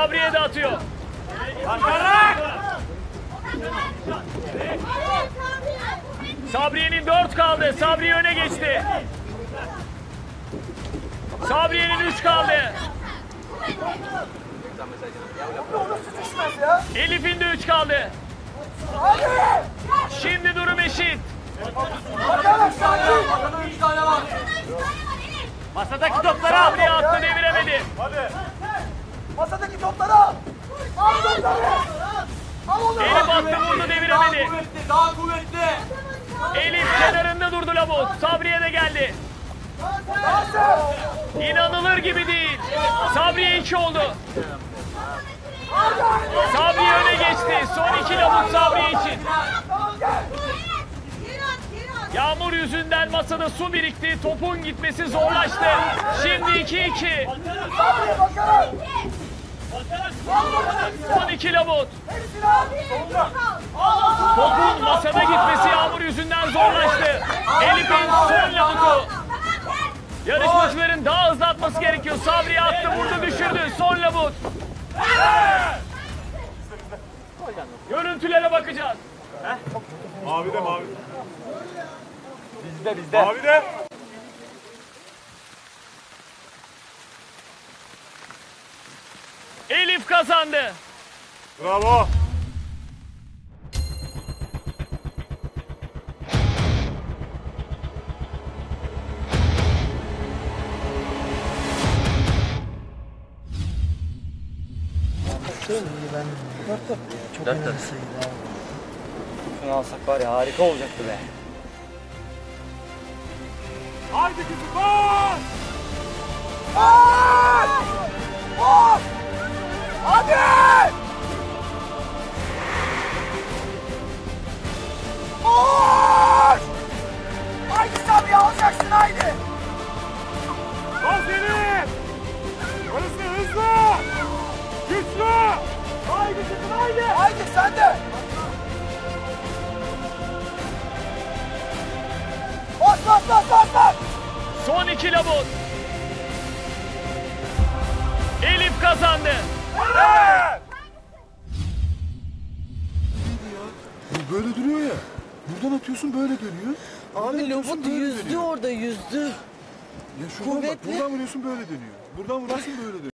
Sabriye de atıyor. Sabriye'nin 4 kaldı. Sabriye öne geçti. Sabriye'nin 3 kaldı. Elif'in de 3 kaldı. Şimdi durum eşit. Masadaki topları al. Sabriye attı, deviremedi. Masadaki topları al. Al topları. Al onu. Elif attı, vurdu, deviremedi. Daha kuvvetli. Elif kenarında durdu Labut. Sabriye de geldi. İnanılır gibi değil. Sabriye 2 oldu. Sabriye öne geçti. Son 2 Labut Sabriye için. Yağmur yüzünden masada su birikti. Topun gitmesi zorlaştı. Şimdi 2-2. Son 2 Labut. Topun masada gitmesi yağmur yüzünden zorlaştı. Elif'in son Labut'u. Yarışmacıların daha hızlı atması gerekiyor. Sabriye attı, vurdu, düşürdü. Son Labut. Görüntülere bakacağız. Mavi de mavi. Bizde. Mavi de. Elif kazandı. Bravo. Çok önemli sayıydı abi. Şunu alsak var ya harika olacaktı be. Haydi kızım koş. Koş! Hadi! Koş! Haydi Sabri, alacaksın haydi! Bas Elif. Hızlı. Güçlü. Haydi kızım haydi! Haydi sen de! Bas! Son 2 Labut. Elif kazandı. Bu böyle duruyor ya. Buradan atıyorsun böyle dönüyor. Abi Labut yüzdü orada yüzdü. Ya şuradan bak, Kuvvetli. buradan vuruyorsun böyle dönüyor. Buradan vuruyorsun böyle dönüyor.